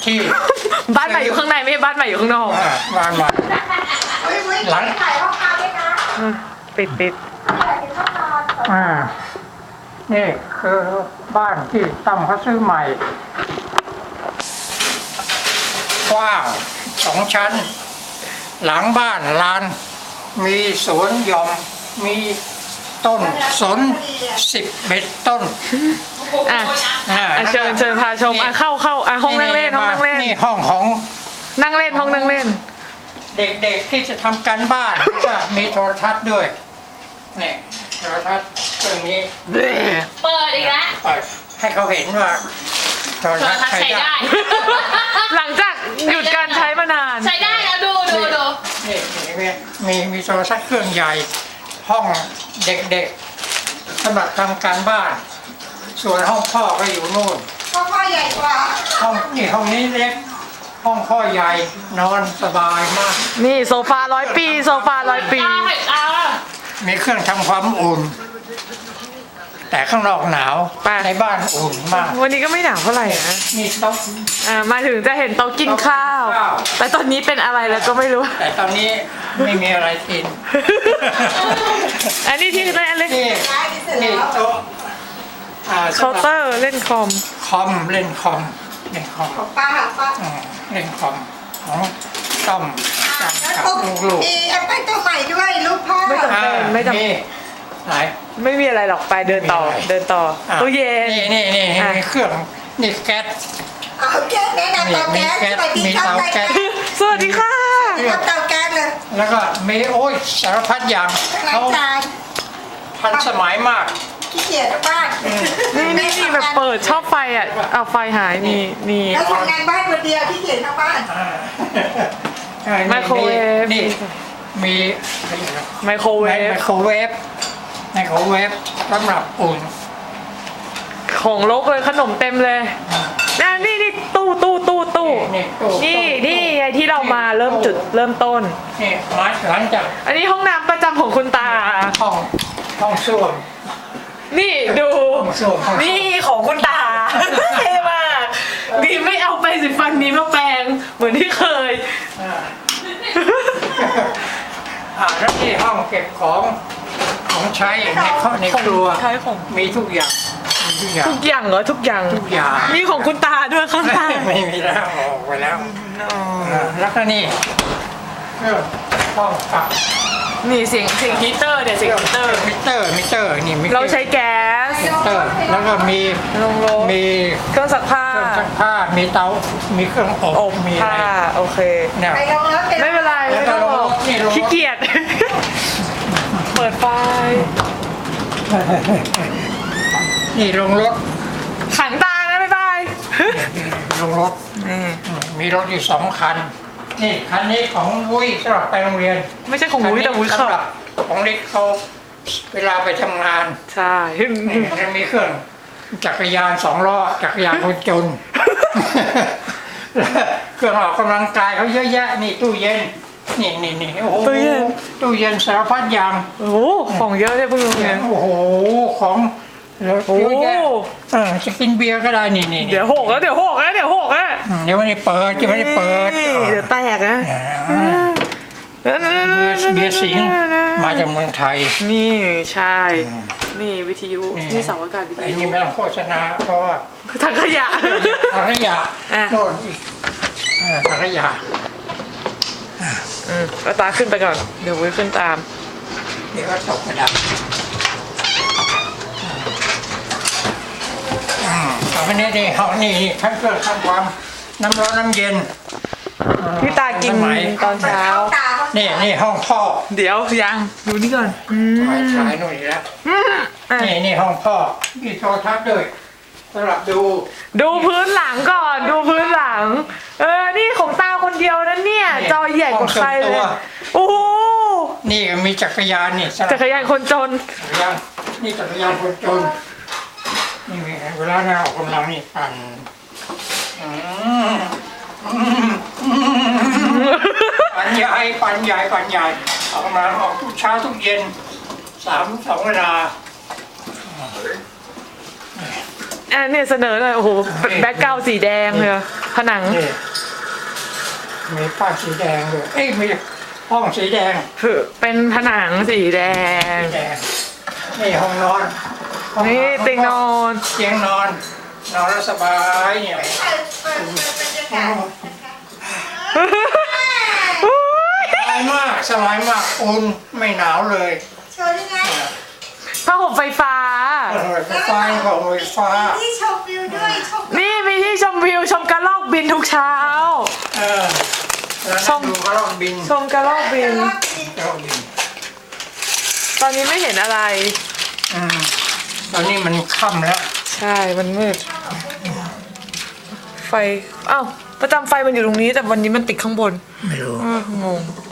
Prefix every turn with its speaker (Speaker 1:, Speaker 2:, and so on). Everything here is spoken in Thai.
Speaker 1: ที่
Speaker 2: บ้านใหม่อยู่ข้างในไม่ใช่บ้านใหม่อยู่ข้างนอก
Speaker 1: บ้านใหม่หลัง
Speaker 3: ถ่ายห้องน้ำด้วยนะ
Speaker 2: ปิด
Speaker 3: ถ่ายถึงห้องนอน
Speaker 1: นี่คือบ้านที่ตั้มเขาซื้อใหม่กว้าง2 ชั้น หลังบ้านลานมีสวนหย่อมมีต้นสน11 ต้น
Speaker 2: อ่ะเชิญพาชมเข้าห้องนั่งเล่นห้องนั่งเล่น
Speaker 1: นี่ห้องของ
Speaker 2: นั่งเล่นห้องนั่งเล่น
Speaker 1: เด็กๆที่จะทำการบ้านก็มีโทรทัศน์ด้วยนี่โทรทัศน์เครื่องนี้
Speaker 4: เปิดอีกแล้ว
Speaker 1: เปิดให้เขาเห็นว่าโทร
Speaker 4: โทร
Speaker 1: ทัศน์
Speaker 4: ทัศน์
Speaker 1: ใช้
Speaker 4: ใช้
Speaker 1: ได้
Speaker 4: ได้
Speaker 2: หลังจากหยุดการใช้มานาน
Speaker 4: ใช้ได้แล้วดู
Speaker 1: นี่มีโทรทัศน์เครื่องใหญ่ ห้องเด็กๆสำหรับทำการบ้าน ส่วนห้องพ่อก็อยู่นู่น
Speaker 3: พ่อใหญ่กว่า
Speaker 1: ห้องนี้เล็ก ห้องพ่อใหญ่นอนสบายมาก
Speaker 2: นี่โซฟา100 ปีโซฟา100 ปี
Speaker 1: มีเครื่องทำความอุ่น แต่ข้างนอกหนาว
Speaker 2: ไป
Speaker 1: ในบ้านอุ่นมาก
Speaker 2: วันนี้ก็ไม่หนาวเท่าไหร่นะ
Speaker 1: มีโต๊ะ
Speaker 2: มาถึงจะเห็นโต๊ะกินข้าว
Speaker 1: โต๊ะกินข้าว
Speaker 2: แต่ตอนนี้เป็นอะไรแล้วก็ไม่รู้
Speaker 1: แต่ตอนนี้ไม่มีอะไรกิน
Speaker 2: อันนี้ที่เล่นอะไร
Speaker 1: นี่โต๊ะ
Speaker 2: เคาน์เตอร์เล่นคอม
Speaker 1: เล่นคอม
Speaker 3: ป้า
Speaker 1: เล่นคอมของต้อมกับ
Speaker 3: แล้ว
Speaker 1: ลูก
Speaker 3: มีแอปเปิ้ลตัวใหม่ด้วยลูกพ่อ
Speaker 2: ไม่จำเป็นไม่จำ
Speaker 1: นี่ไหน
Speaker 2: ไม่มีอะไรหรอกไปเดินต่อ
Speaker 1: ไม่มีอะไร
Speaker 2: เดินต่อ
Speaker 1: อ่ะ
Speaker 2: ตู้เย็น
Speaker 1: นี่
Speaker 2: อ่ะ
Speaker 1: มีเครื่องนี่แก๊ส
Speaker 3: เอาแก๊สแนะนำเตาแก๊สสวัสดีครับ
Speaker 1: มีเตาแก๊ส
Speaker 2: สวัสดีค่ะ
Speaker 3: ทำเตาแก๊สเลย
Speaker 1: แล้วก็มีโอ้ยสารพัดอย่าง
Speaker 3: ล้า
Speaker 1: เขา
Speaker 3: งจาน
Speaker 1: ทันสมัยมาก
Speaker 3: ขี้เกียจบ้าน
Speaker 2: นี่แบบเปิดชอบไฟอ่ะเอาไฟหายนี่
Speaker 3: แล้วทำงานบ้านคนเดียวขี้เกียจทั้งบ้าน
Speaker 2: ไมโครเวฟ
Speaker 1: นี่มี
Speaker 2: ไมโครเว
Speaker 1: ไม
Speaker 2: ฟ
Speaker 1: โครเวฟสำหรับอุ่น
Speaker 2: ของลกเลยขนมเต็มเลยนี่ตู้
Speaker 1: นี่ตู้
Speaker 2: นี่ไงที่เรามาเริ่มต้น
Speaker 1: นี่มาหลังจาก
Speaker 2: อันนี้ห้องน้ำประจำของคุณตา
Speaker 1: ห้องส้วม
Speaker 2: นี่ดู
Speaker 1: ห้องส้วม
Speaker 2: นี่ของคุณตาเท่มากดีไม่เอาไปสิฟันนี้มาแปรงเหมือนที่เคย
Speaker 1: แล้วนี่ห้องเก็บของใช้ในครัว
Speaker 2: ใช้ของ
Speaker 1: มีทุกอย่าง
Speaker 2: ทุกอย่างเหรอทุกอย่าง
Speaker 1: ทุกอย่าง
Speaker 2: มีของคุณตาด้วยข้างใต้
Speaker 1: ไม่มีแล้วออกไปแล้วแล้วก็นี่เครื่องห้องปรับ
Speaker 2: นี่เสียงฮีเตอร์เนี่ยเสียงฮีเตอร์
Speaker 1: มิเตอร์นี่มี
Speaker 2: เราใช้แก๊ส
Speaker 1: มิเตอร์แล้วก็มี
Speaker 2: ลงรถ
Speaker 1: มี
Speaker 2: เครื่องซักผ้า
Speaker 1: เครื่องซักผ้ามีเตามีเครื่องอบมีอะ
Speaker 2: ผ้า
Speaker 1: ไร
Speaker 2: โอเค
Speaker 1: เนี่ย
Speaker 3: ไปลงรถ
Speaker 2: ไม่เป็นไรไม่ต้องบอก
Speaker 1: นี่ลงรถ
Speaker 2: ขี้เกียจ เปิดไฟ
Speaker 1: นี่ลงรถ
Speaker 2: ขังตานะบ๊ายบาย
Speaker 1: ลงรถมีรถอยู่2 คันนี่คันนี้ของวุ้ยสำหรับไปโรงเรียน
Speaker 2: ไม่ใช่ของวุ้ยแต่วุ้ย
Speaker 1: สำ
Speaker 2: ขับ
Speaker 1: หรับของเล็กเขาเวลาไปทำงาน
Speaker 2: ใช่
Speaker 1: ยังมีเครื่องจักรยาน2 ล้อจักรยานคนจน เครื่องออกกำลังกายเขาเยอะแยะนี่ตู้เย็นนี่โอ้โหตู้เย็นสารพัดอย่าง
Speaker 2: โอ้โหของเยอะเลยพวกนี้
Speaker 1: โอ้โหของเยอะแยะจะกินเบียร์ก็ได้นี่
Speaker 2: เดี๋ยวหกแล้ว
Speaker 1: เดี๋ยวไม่ได้เปิดจะไม่ได้เปิด
Speaker 2: เดี๋ยวแตกนะ
Speaker 1: เบียร์สิงห์มาจากเมืองไทย
Speaker 2: นี่ใช่ นี่วิทยุนี่เสาอากาศวิท
Speaker 1: ไอ้
Speaker 2: ยุ
Speaker 1: นี่ไม่ต้องโฆษณาเพราะว่า
Speaker 2: ถังขยะ
Speaker 1: ถังขยะ
Speaker 2: อ่ะ
Speaker 1: โน่นอีกถังขยะ
Speaker 2: ก็ตาขึ้นไปก่อน เดี๋ยววุ้ยขึ้นตาม
Speaker 1: เดี๋ยวก็ตกกระดาษเอาไปนี่ห้องนี่ทั้งเครื่องทำความน้ำร้อนน้ำเย็น
Speaker 2: พี่ตากินตอนเช้า
Speaker 3: ตาเขา
Speaker 1: นี่ห้องพ่อ
Speaker 2: เดี๋ยวยังดูนี่ก่อน
Speaker 1: ฉายหน่อยแล้วนี่ห้องพ่อมีโทรทัศน์ด้วยสำหรับดู
Speaker 2: ดูพื้นหลังก่อน ดูพื้นหลัง นี่ของตาคนเดียวนะเนี่ย จอใหญ่กว่าใครเลยโอ้โห
Speaker 1: นี่มีจักรยานนี่
Speaker 2: จักรยานคนจน
Speaker 1: จักรยานนี่จักรยานคนจนนี่เวลาเราออกกำลังนี่ปั่นปั่นใหญ่ออกกำลังออกทุกเช้าทุกเย็น2 เวลา
Speaker 2: เนี่ยเสนอหน่อยโอ้โหแบ็คกราวด์สีแดงเลยผนัง
Speaker 1: นี่มีป้ายสีแดงด้วยเอ้ยมีห้องสีแดง
Speaker 2: เป็นผนังสีแดง
Speaker 1: สีแดงนี่ห้องนอนห้อง
Speaker 2: นี่เตียงนอน
Speaker 1: เตียงนอนนอนแล้วสบายเนี่ย
Speaker 3: เปิดบรรยากาศนะคะ
Speaker 1: สบายมากอุ่นไม่หนาวเลย
Speaker 3: โชว์ยังไง
Speaker 2: ผ้าห่มไฟฟ้า
Speaker 1: ไฟฟ้าของไฟฟ้า
Speaker 3: ที่ชมวิวด้วยชม
Speaker 2: นี่มีที่ชมวิวชมกระรอกบินทุกเช้า
Speaker 1: เออแล้ว
Speaker 2: ช
Speaker 1: นั่
Speaker 2: ม
Speaker 1: งดูกระรอกบิน
Speaker 2: ชมกระรอกบิน
Speaker 1: กระรอกบิน
Speaker 2: ตอนนี้ไม่เห็นอะไร
Speaker 1: อืมตอนนี้มันค่ำแล้ว
Speaker 2: ใช่ มันมืด ไฟ อ้าว ประจำไฟมันอยู่ตรงนี้ แต่วันนี้มันติดข้างบน
Speaker 1: ไม่รู้
Speaker 2: งง